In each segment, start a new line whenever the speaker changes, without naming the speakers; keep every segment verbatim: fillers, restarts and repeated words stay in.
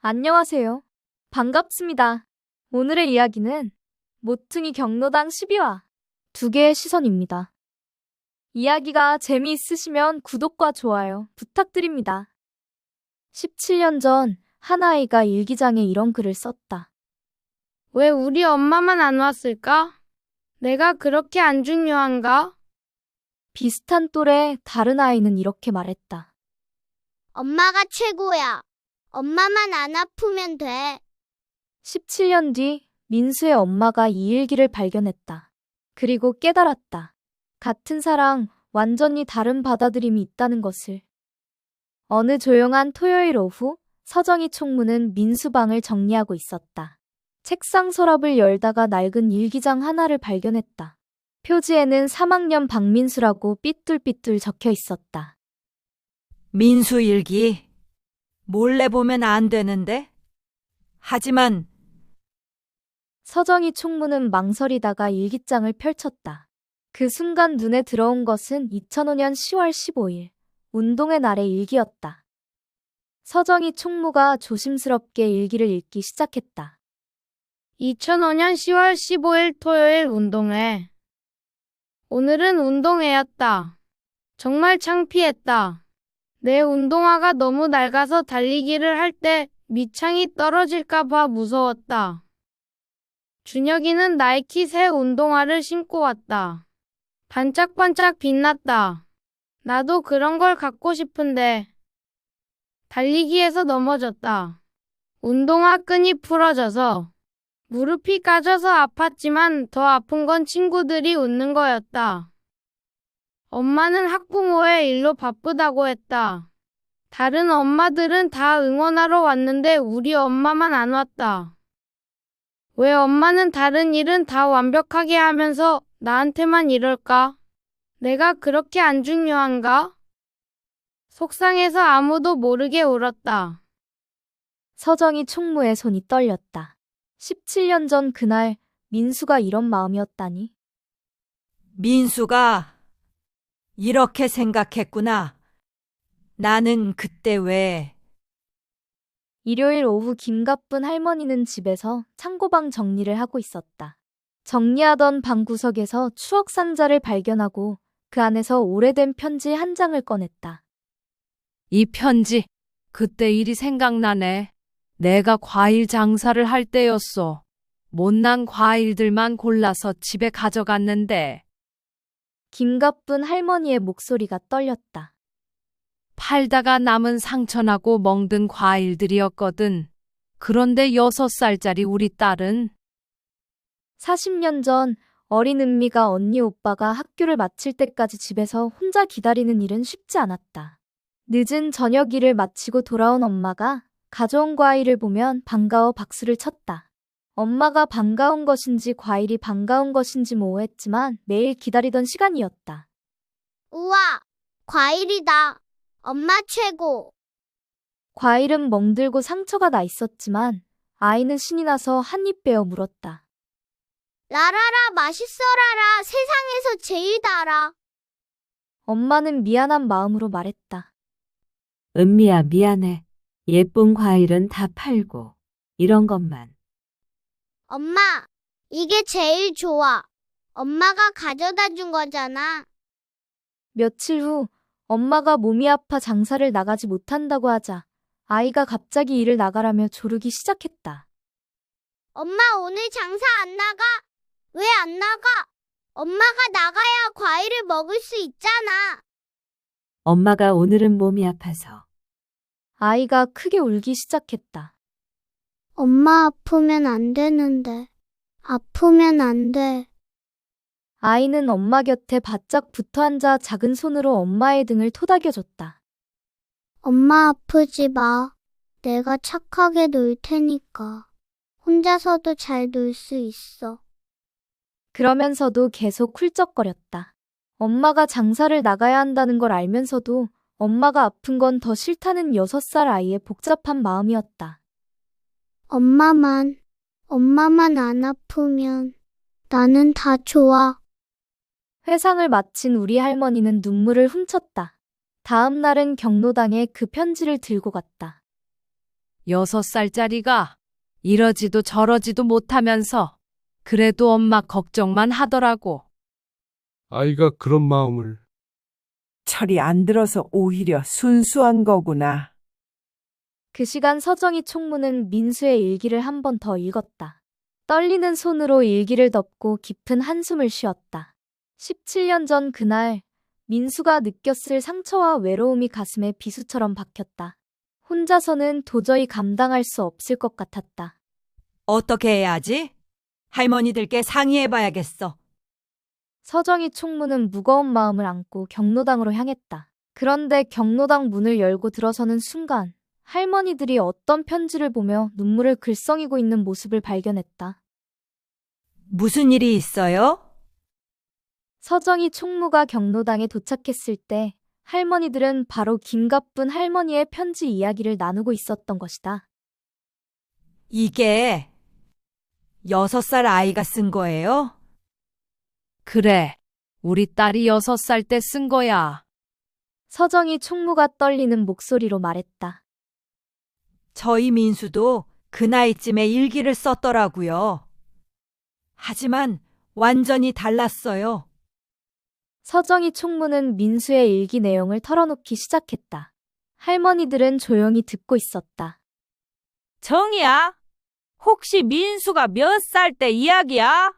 안녕하세요. 반갑습니다. 오늘의 이야기는 모퉁이 경로당 십이 화 두 개의 시선입니다. 이야기가 재미있으시면 구독과 좋아요 부탁드립니다. 십칠 년 전 한 아이가 일기장에 이런 글을 썼다.
왜 우리 엄마만 안 왔을까? 내가 그렇게 안 중요한가?
비슷한 또래 다른 아이는 이렇게 말했다.
엄마가 최고야. 엄마만 안 아프면 돼.
십칠 년 뒤 민수의 엄마가 이 일기를 발견했다. 그리고 깨달았다. 같은 사랑, 완전히 다른 받아들임이 있다는 것을. 어느 조용한 토요일 오후, 서정희 총무는 민수 방을 정리하고 있었다. 책상 서랍을 열다가 낡은 일기장 하나를 발견했다. 표지에는 삼 학년 박민수라고 삐뚤삐뚤 적혀 있었다.
민수 일기. 몰래 보면 안 되는데? 하지만
서정희 총무는 망설이다가 일기장을 펼쳤다. 그 순간 눈에 들어온 것은 이천오 년 시월 십오일, 운동의 날의 일기였다. 서정희 총무가 조심스럽게 일기를 읽기 시작했다.
이천오 년 시월 십오일 토요일 운동회. 오늘은 운동회였다. 정말 창피했다. 내 운동화가 너무 낡아서 달리기를 할 때 밑창이 떨어질까 봐 무서웠다. 준혁이는 나이키 새 운동화를 신고 왔다. 반짝반짝 빛났다. 나도 그런 걸 갖고 싶은데. 달리기에서 넘어졌다. 운동화 끈이 부러져서 무릎이 까져서 아팠지만 더 아픈 건 친구들이 웃는 거였다. 엄마는 학부모의 일로 바쁘다고 했다. 다른 엄마들은 다 응원하러 왔는데 우리 엄마만 안 왔다. 왜 엄마는 다른 일은 다 완벽하게 하면서 나한테만 이럴까? 내가 그렇게 안 중요한가? 속상해서 아무도 모르게 울었다.
서정희 총무의 손이 떨렸다. 십칠 년 전 그날 민수가 이런 마음이었다니.
민수가 이렇게 생각했구나. 나는 그때 왜
일요일 오후 김가쁜 할머니는 집에서 창고방 정리를 하고 있었다. 정리하던 방 구석에서 추억 상자를 발견하고 그 안에서 오래된 편지 한 장을 꺼냈다.
이 편지, 그때 일이 생각나네. 내가 과일 장사를 할 때였어. 못난 과일들만 골라서 집에 가져갔는데
김가쁜 할머니의 목소리가 떨렸다.
팔다가 남은 상처나고 멍든 과일들이었거든. 그런데 여섯 살짜리 우리 딸은
사십 년 전 어린 은미가 언니 오빠가 학교를 마칠 때까지 집에서 혼자 기다리는 일은 쉽지 않았다. 늦은 저녁 일을 마치고 돌아온 엄마가 가져온 과일을 보면 반가워 박수를 쳤다. 엄마가 반가운 것인지 과일이 반가운 것인지 모호했지만 매일 기다리던 시간이었다.
우와, 과일이다. 엄마 최고.
과일은 멍들고 상처가 나 있었지만 아이는 신이 나서 한 입 베어 물었다.
라라라 맛있어라라 세상에서 제일 달아.
엄마는 미안한 마음으로 말했다.
은미야, 미안해. 예쁜 과일은 다 팔고 이런 것만.
엄마, 이게 제일 좋아. 엄마가 가져다 준 거잖아.
며칠 후 엄마가 몸이 아파 장사를 나가지 못한다고 하자 아이가 갑자기 일을 나가라며 조르기 시작했다.
엄마 오늘 장사 안 나가? 왜 안 나가? 엄마가 나가야 과일을 먹을 수 있잖아.
엄마가 오늘은 몸이 아파서.
아이가 크게 울기 시작했다.
엄마 아프면 안 되는데. 아프면 안 돼.
아이는 엄마 곁에 바짝 붙어 앉아 작은 손으로 엄마의 등을 토닥여줬다.
엄마 아프지 마. 내가 착하게 놀 테니까. 혼자서도 잘 놀 수 있어.
그러면서도 계속 훌쩍거렸다. 엄마가 장사를 나가야 한다는 걸 알면서도 엄마가 아픈 건 더 싫다는 여섯 살 아이의 복잡한 마음이었다.
엄마만, 엄마만 안 아프면 나는 다 좋아.
회상을 마친 우리 할머니는 눈물을 훔쳤다. 다음 날은 경로당에 그 편지를 들고 갔다.
여섯 살짜리가 이러지도 저러지도 못하면서 그래도 엄마 걱정만 하더라고.
아이가 그런 마음을.
철이 안 들어서 오히려 순수한 거구나.
그 시간 서정희 총무는 민수의 일기를 한 번 더 읽었다. 떨리는 손으로 일기를 덮고 깊은 한숨을 쉬었다. 십칠 년 전 그날 민수가 느꼈을 상처와 외로움이 가슴에 비수처럼 박혔다. 혼자서는 도저히 감당할 수 없을 것 같았다.
어떻게 해야지? 할머니들께 상의해봐야겠어.
서정희 총무는 무거운 마음을 안고 경로당으로 향했다. 그런데 경로당 문을 열고 들어서는 순간 할머니들이 어떤 편지를 보며 눈물을 글썽이고 있는 모습을 발견했다.
무슨 일이 있어요?
서정희 총무가 경로당에 도착했을 때 할머니들은 바로 김가쁜 할머니의 편지 이야기를 나누고 있었던 것이다.
이게 여섯 살 아이가 쓴 거예요?
그래, 우리 딸이 여섯 살 때 쓴 거야.
서정희 총무가 떨리는 목소리로 말했다.
저희 민수도 그 나이쯤에 일기를 썼더라고요. 하지만 완전히 달랐어요.
서정희 총무는 민수의 일기 내용을 털어놓기 시작했다. 할머니들은 조용히 듣고 있었다.
정이야? 혹시 민수가 몇 살 때 이야기야?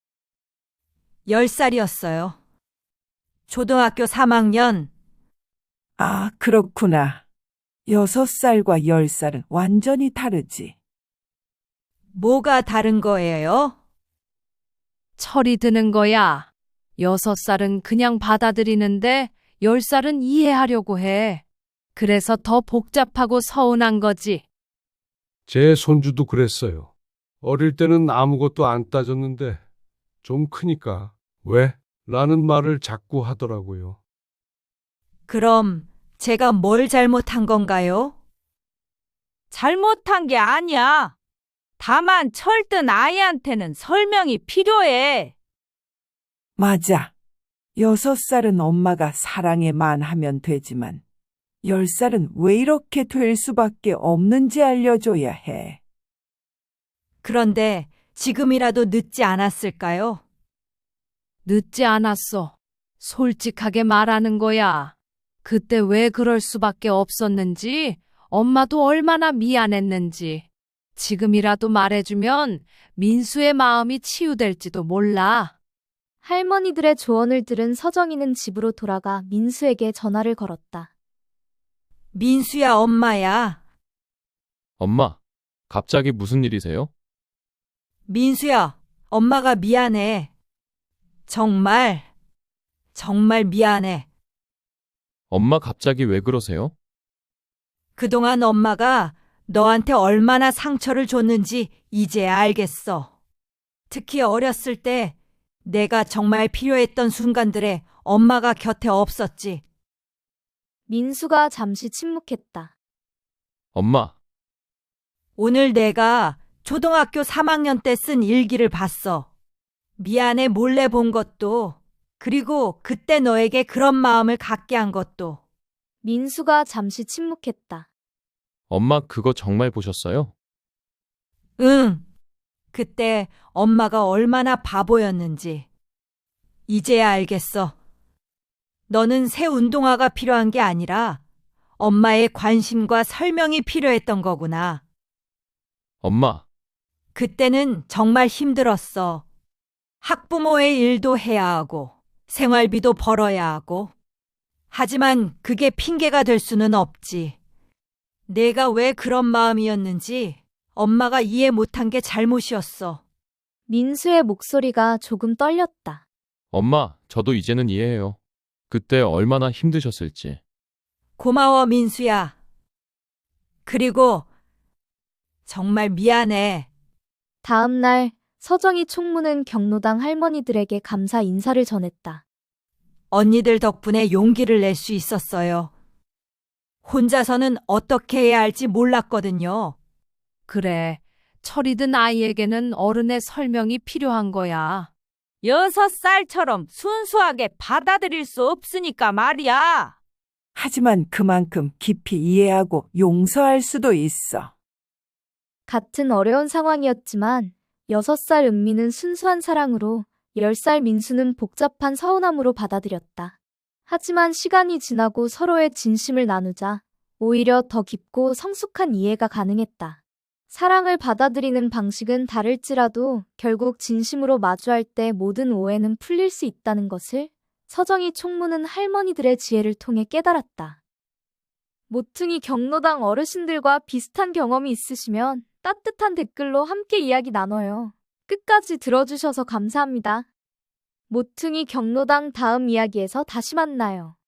열 살이었어요. 초등학교 삼 학년.
아, 그렇구나. 여섯 살과 열 살은 완전히 다르지.
뭐가 다른 거예요?
철이 드는 거야. 여섯 살은 그냥 받아들이는데 열 살은 이해하려고 해. 그래서 더 복잡하고 서운한 거지.
제 손주도 그랬어요. 어릴 때는 아무것도 안 따졌는데 좀 크니까 왜? 라는 말을 자꾸 하더라고요.
그럼 제가 뭘 잘못한 건가요?
잘못한 게 아니야. 다만 철든 아이한테는 설명이 필요해.
맞아. 여섯 살은 엄마가 사랑에만 하면 되지만 열 살은 왜 이렇게 될 수밖에 없는지 알려줘야 해.
그런데 지금이라도 늦지 않았을까요?
늦지 않았어. 솔직하게 말하는 거야. 그때 왜 그럴 수밖에 없었는지, 엄마도 얼마나 미안했는지. 지금이라도 말해주면 민수의 마음이 치유될지도 몰라.
할머니들의 조언을 들은 서정희는 집으로 돌아가 민수에게 전화를 걸었다.
민수야, 엄마야.
엄마, 갑자기 무슨 일이세요?
민수야, 엄마가 미안해. 정말, 정말 미안해.
엄마 갑자기 왜 그러세요?
그동안 엄마가 너한테 얼마나 상처를 줬는지 이제야 알겠어. 특히 어렸을 때 내가 정말 필요했던 순간들에 엄마가 곁에 없었지.
민수가 잠시 침묵했다.
엄마,
오늘 내가 초등학교 삼 학년 때 쓴 일기를 봤어. 미안해 몰래 본 것도, 그리고 그때 너에게 그런 마음을 갖게 한 것도.
민수가 잠시 침묵했다.
엄마 그거 정말 보셨어요?
응. 그때 엄마가 얼마나 바보였는지. 이제야 알겠어. 너는 새 운동화가 필요한 게 아니라 엄마의 관심과 설명이 필요했던 거구나.
엄마,
그때는 정말 힘들었어. 학부모의 일도 해야 하고, 생활비도 벌어야 하고. 하지만 그게 핑계가 될 수는 없지. 내가 왜 그런 마음이었는지 엄마가 이해 못한 게 잘못이었어.
민수의 목소리가 조금 떨렸다.
엄마, 저도 이제는 이해해요. 그때 얼마나 힘드셨을지.
고마워, 민수야. 그리고 정말 미안해.
다음 날 서정희 총무는 경로당 할머니들에게 감사 인사를 전했다.
언니들 덕분에 용기를 낼 수 있었어요. 혼자서는 어떻게 해야 할지 몰랐거든요.
그래, 철이 든 아이에게는 어른의 설명이 필요한 거야.
여섯 살처럼 순수하게 받아들일 수 없으니까 말이야.
하지만 그만큼 깊이 이해하고 용서할 수도 있어.
같은 어려운 상황이었지만 여섯 살 은미는 순수한 사랑으로, 열 살 민수는 복잡한 서운함으로 받아들였다. 하지만 시간이 지나고 서로의 진심을 나누자 오히려 더 깊고 성숙한 이해가 가능했다. 사랑을 받아들이는 방식은 다를지라도 결국 진심으로 마주할 때 모든 오해는 풀릴 수 있다는 것을 서정희 총무는 할머니들의 지혜를 통해 깨달았다. 모퉁이 경로당 어르신들과 비슷한 경험이 있으시면 따뜻한 댓글로 함께 이야기 나눠요. 끝까지 들어주셔서 감사합니다. 모퉁이 경로당 다음 이야기에서 다시 만나요.